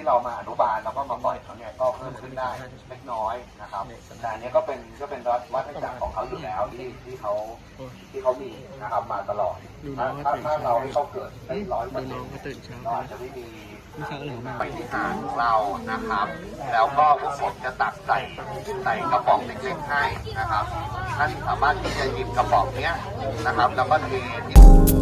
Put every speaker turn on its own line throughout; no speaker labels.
เรามาอนุบาลแล้วก็มาปล่อยเขาเนี่ยก็เพิ่มขึ้นได้เล็กน้อยนะครับแต่อันนี้ก็เป็นวัฏจักรของเขาอยู่แล้วที่เขามีนะครับมาตลอดถ้าเราให้เขาเกิดได้100%เราอาจจะไม่มีปฏิหารย์ของเรานะครับแล้วก็พวกผมจะตักใส่กระป๋องเล็กๆให้นะครับท่านสามารถที่จะหยิบกระป๋องเนี้ยนะครับแล้วก็เทที่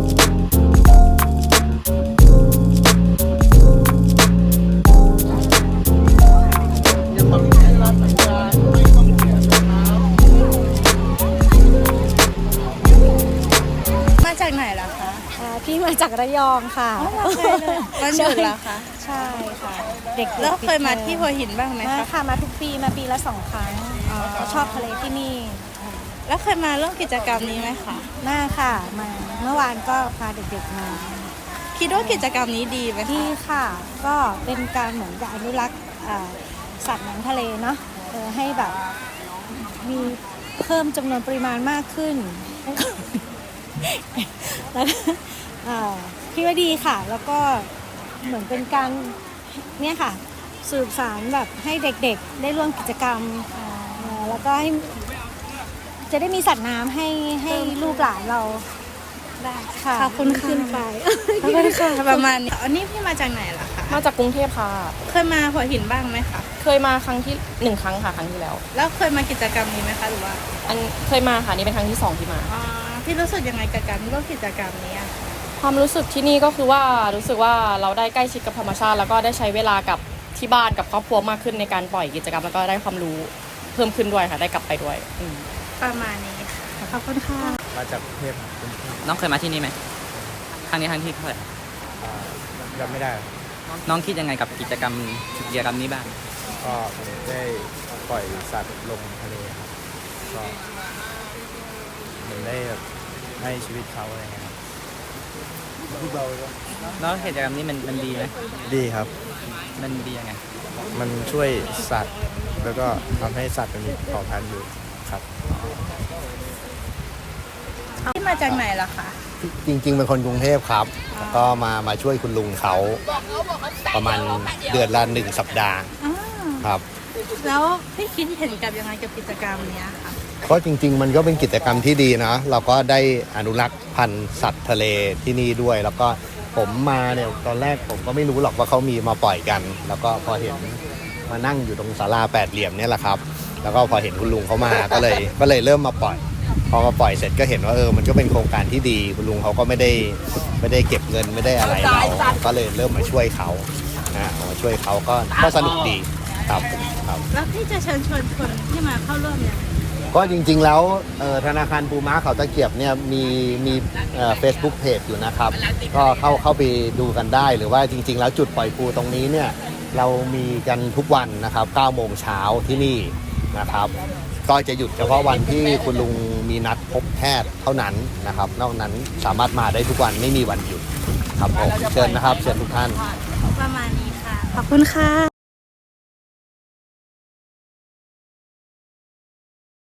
มาจากไหนล่ะคะ
พี่มาจากระยองค่ะ
วันหยุดเหรอคะ
ใช่ค่ะเด็กๆ
แล้วเคยมาที่หัวหินบ้างไหม
มา
คะ
ค่ะมาทุกปีมาปีละ2 ครั้งชอบทะเลที่นี่
แล้วเคยมาร่วมกิจกรรมนี้ไหมคะ
มาค่ะมาเมื่อวานก็พาเด็กๆมา
คิดว่ากิจกรรมนี้ดีไหมคะ
ที่ค่ะก็เป็นการเหมือนกับอนุรักษ์สัตว์น้ำทะเลเนาะให้แบบมีเพิ่มจำนวนปริมาณมากขึ้น แล้วพี่ว่าดีค่ะ แล้วก็เหมือนเป็นการเนี่ยค่ะสืบสานแบบให้เด็กๆได้ร่วมกิจกรรมแล้วก็ให้จะได้มีสัตว์น้ำให้ลูกหลานเราได้ค่ะ
ขอบคุณค่ะ
ขึ้นไป
ขอบคุณค่ะประมาณนี้อันนี้พี่มาจากไหนล่ะคะ
มาจากกรุงเทพค่ะ
เคยมาหัวหินบ้างไหมคะ
เคยมาครั้งที่1 ครั้งค่ะครั้งที่แล้ว
แล้วเคยมากิจกรรมนี้ไหมคะหรือว่า
เคยมาค่ะนี่เป็นครั้งที่2ที่มา
พี่รู้สึกยังไงกับการร่วมกิจกรรมนี้อะ
ความรู้สึกที่นี่ก็คือว่ารู้สึกว่าเราได้ใกล้ชิดกับธรรมชาติแล้วก็ได้ใช้เวลากับที่บ้านกับครอบครัวมากขึ้นในการปล่อยกิจกรรมแล้วก็ได้ความรู้เพิ่มขึ้นด้วยค่ะได้กลับไปด้วย
ประมาณนี้ค่ะขอบคุณค่ะ
มาจากกรุงเทพครับ
น้องเคยมาที่นี่ไหมครั้งนี้ครั้งที่เท่าไหร่
จำไม่ได้
น้องคิดยังไงกับกิจกรรมนี้บ้าง
ก็ผมได้ปล่อยสัตว์ลงทะเลครับก็เหมือนได้แบบให้ชีวิตเขาอะไรเงี้ยครับ
แล้วกิจกรรมนี้มันดีไหม
ดีครับ
มันดียังไง
มันช่วยสัตว์แล้วก็ทำให้สัตว์มันมีเผ่าพันธุ์อยู่ครับ
พี่มาจากไหนล่ะคะ
จริงๆเป็นคนกรุงเทพครับแล้วก็มาช่วยคุณลุงเขาประมาณเดือนละ1 สัปดาห์ครับ
แล้วพี่คิดเห็นกับยังไงกับกิจกรรมเนี้ยคะ
ก็จริงๆมันก็เป็นกิจกรรมที่ดีนะเราก็ได้อนุรักษ์พันธุ์สัตว์ทะเลที่นี่ด้วย แล้วก็ผมมาเนี่ยตอนแรกผมก็ไม่รู้หรอกว่าเขามีมาปล่อยกัน แล้วก็พอเห็นมานั่งอยู่ตรงศาลา8 เหลี่ยมเนี่ยแหละครับแล้วก็พอเห็นคุณลุงเขามาก็เลยเริ่มมาปล่อยพอมาปล่อยเสร็จก็เห็นว่ามันก็เป็นโครงการที่ดีคุณลุงเขาก็ไม่ได้เก็บเงินไม่ได้อะไรเราก็เลยเริ่มมาช่วยเขามาช่วยเขาก็สนุกดีครับครับ
แล้วพี่จะเชิญชวนคนที่มาเข้าร่วมยังไง
ก็จริงๆแล้วธนาคารปูม้าเขาตะเกียบเนี่ยมีFacebook Page อยู่นะครับก็เข้าไปดูกันได้หรือว่าจริงๆแล้วจุดปล่อยปูตรงนี้เนี่ยเรามีกันทุกวันนะครับ9 โมงเช้าที่นี่นะครับก็จะหยุดเฉพาะวันที่คุณลุงมีนัดพบแพทย์เท่านั้นนะครับนอกนั้นสามารถมาได้ทุกวันไม่มีวันหยุดครับผมเชิญนะครับเชิญทุกท่าน
ประมาณนี้ค่ะ ขอบคุณค่ะ